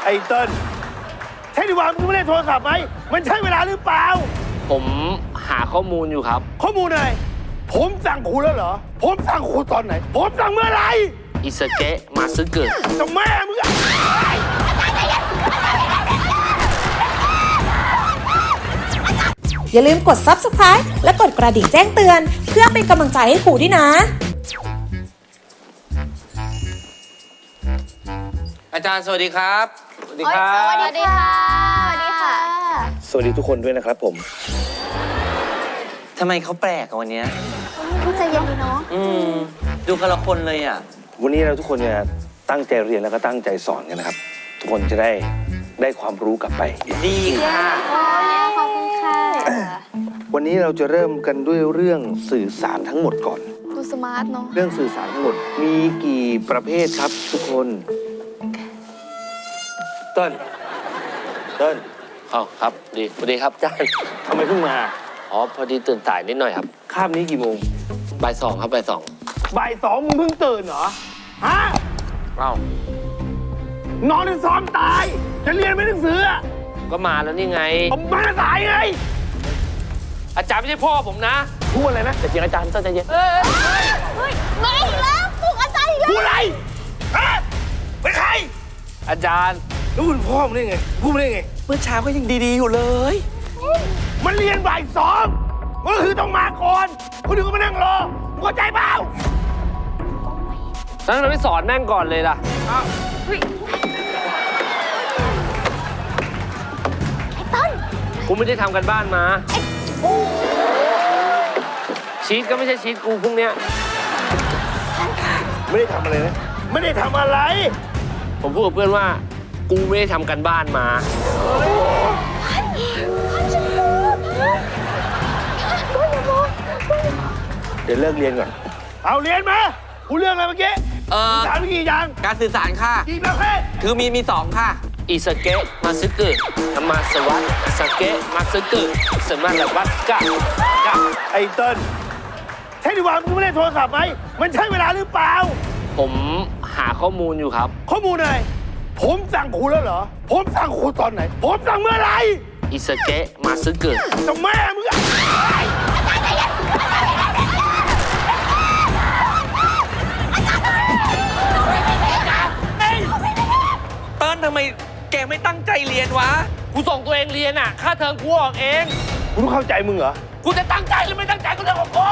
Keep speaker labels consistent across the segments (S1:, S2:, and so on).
S1: อ้เติ้ลใช่ดีว่ามึงไม่ได้โทรศัพท์ไหมมันใช่เวลาหรือเปล่า
S2: ผมหาข้อมูลอยู่ครับ
S1: ข้อมูลอะไรผมสั่งคุณแล้วเหรอผมสั่งคุณตอนไหนผมสั่งเมื่อไหร่
S2: อิสเกะมาซึเกะ
S1: จะแม่มึง
S3: อย่าลืมกด Subscribe และกดกระดิ่งแจ้งเตือนเพื่อเป็นกำลังใจให้ครูด้วยนะ
S2: อาจารย์สวัสดีครับ
S4: สวัสดีครับสวัสดีค่ะสวัสดีค่ะ
S1: สวัสดีทุกคนด้วยนะครับผม
S2: ทำไมเขาแปลกวันนี้
S4: พูดใจเย็นดีเนาะ
S2: ดูคนละคนเลยอ่ะ
S1: วันนี้เราทุกคนเนี่ยตั้งใจเรียนแล้วก็ตั้งใจสอนกันนะครับทุกคนจะได้ความรู้กลับไป
S2: ดีค่ะ
S4: ขอบคุณค่ะ
S1: วันนี้เราจะเริ่มกันด้วยเรื่องสื่อสารทั้งหมดก่อน
S4: ดูสมาร์ทเนาะ
S1: เรื่องสื่อสารทั้งหมดมีกี่ประเภทครับทุกคนเติ้ล
S2: ครับดีสวัสดีครับอาจารย์
S1: ทำไมเพิ่งมา
S2: พอดีตื่นสายนิดหน่อยครับ
S1: คาบนี้กี่โมง
S2: บ่ายสองครับบ่ายสอง
S1: มึงเพิ่งตื่นเหรอฮะนอนซ้อมตายจะเรียนไม่หนังสือ
S2: ก็มาแล้วนี่ไง
S1: ผมมาสายไง
S2: อาจารย์ไม่ใช่พ่อผมนะ
S1: พูดอะไรนะ
S2: แต่จริงอาจารย์ต้องใจเย็น
S4: มาอีกแล้วปลุกอาจารย์อีกแล้ว
S1: พูดอะไรฮะเป็นใคร
S2: อาจารย์
S1: แล้วคุณพ่อมึงได้ไงพูดได้ไง
S2: เมื่อเช้าก็ยังดีๆอยู่เลย
S1: มันเรียนบ่ายสองก็คือต้องมาก่อนคนอื่นก็มานั่งรอมึงเข้าใจเปล่า
S2: แล้วเราไม่สอนแม่งก่อนเลยล่ะ
S4: ไอ้ต้น
S2: กูไม่ได้ทำกันบ้านมาชีทก็ไม่ใช่ชีทกูพรุ่งเนี้ย
S1: ไม่ได้ทำอะไรนะไม่ได้ทำอะไร
S2: ผมพูดกับเพื่อนว่ากูไม่ได้ทำกันบ้านมา
S1: เดี๋ยวเลิกเรียนก่อนเอาเรียนมากูเรื่องอะไรเมื่อกี้สื่อสารกี่อย่าง
S2: การสื่อสารค่ะ
S1: กี่ประเภท
S2: คือมีสองค่ะอิสเกะมาซึเกะมาสวัสดิ์สเกะมาซึเกะสมาลวัสกะ
S1: ไอ้เติ้ลใช่ดีว่ามึงไม่ได้โทรศัพท์ไหมมันใช่เวลาหรือเปล่า
S2: ผมหาข้อมูลอยู่ครับ
S1: ข้อมูลอะไรผมสั่งคุณแล้วเหรอผมสั่งคุณตอนไหนผมสั่งเมื่อไหร่
S2: อิสเกะมาซึเกะ
S1: จะแม่มึง
S2: เติ้ลทำไมแกไม่ตั้งใจเรียนวะกูส่งตัวเองเรียนอ่ะค่าเทอมกูออกเอง
S1: กูต้องเข้าใจมึงเหรอ
S2: กูจะตั้งใจหรือไม่ตั้งใจก็เรื่องของกู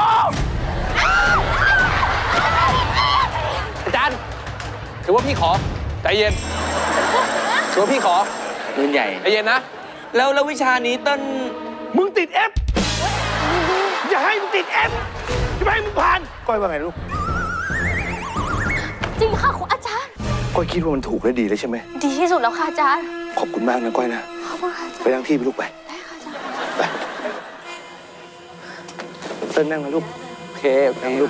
S2: อาจารย์ถือว่าพี่ขอใจเย็นถือว่าพี่ขอปืนใหญ่ใจเย็นนะแล้ววิชานี้เติ้ล
S1: มึงติด F อย่าให้มึงติด F จะไม่ให้มึงผ่านก้อยว่าไงลูก
S4: จริงค่ะคุณอาจารย์
S1: ก้อยคิดว่ามันถูกและดีเลยใช่ไหม
S4: ดีที่สุดแล้วค่ะอาจารย์
S1: ขอบคุณมากนะก้อยนะ
S4: ขอบคุณค่ะ
S1: ไปนั่งที่ไปลูกไป
S4: ได้ค่ะอาจารย์
S1: ไปเติ้ลนั่งนะลูก
S2: โอเค
S1: นั่งลูก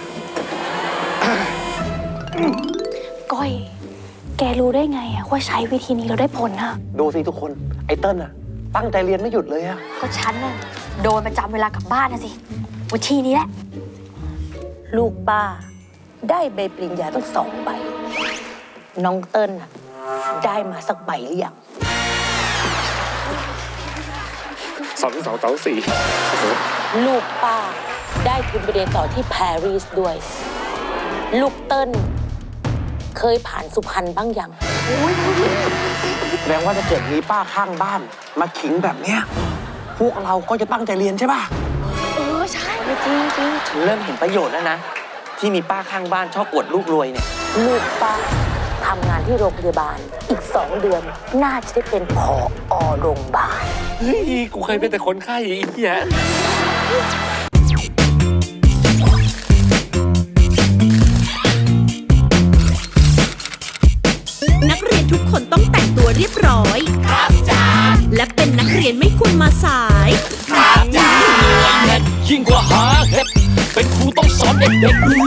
S4: ก้อยแกรู้ได้ไงอะว่าใช้วิธีนี้เราได้ผลอะ
S2: ดูสิทุกคนไอ้เติ้ลอะตั้งใจเรียนไม่หยุดเลยอะ
S4: ก็ฉันน่ะโดนประจำเวลากลับบ้านนะสิวิธีนี้แหละ
S5: ลูกป้าได้ใบปริญญาตั้ง2 ใบน้องเติ้ลได้มาสักใบหรือยัง
S1: 2
S5: ลูกป้าได้ทุนไปเรียนต่อที่ปารีสด้วยลูกเติ้ลเคยผ่านสุพรรณบ้างยัง
S2: แสดงว่าถ้าเกิดมีป้าข้างบ้านมาขิงแบบเนี้ยพวกเราก็จะตั้งใจเรียนใช่ป่ะ
S4: ใช่จริง
S2: ฉันเริ่มเห็นประโยชน์แล้วนะที่มีป้าข้างบ้านชอบอวดลูกรวยเนี่ย
S5: ลูกป้าทำงานที่โรงพยาบาลอีก2 เดือนน่าจะได้เป็นผอ.โรงพยาบาล
S2: เฮ้ยกูเคยเป็นแต่คนไข้อีกแยะ
S3: นักเรียนทุกคนต้องแต่งตัวเรียบร้อยครับจ้าและเป็นนักเรียนไม่ควรมาสาย
S6: ครับจ้ายิ่งกว่าหาเห็ดเป็นครูต้องสอนเด็กๆดู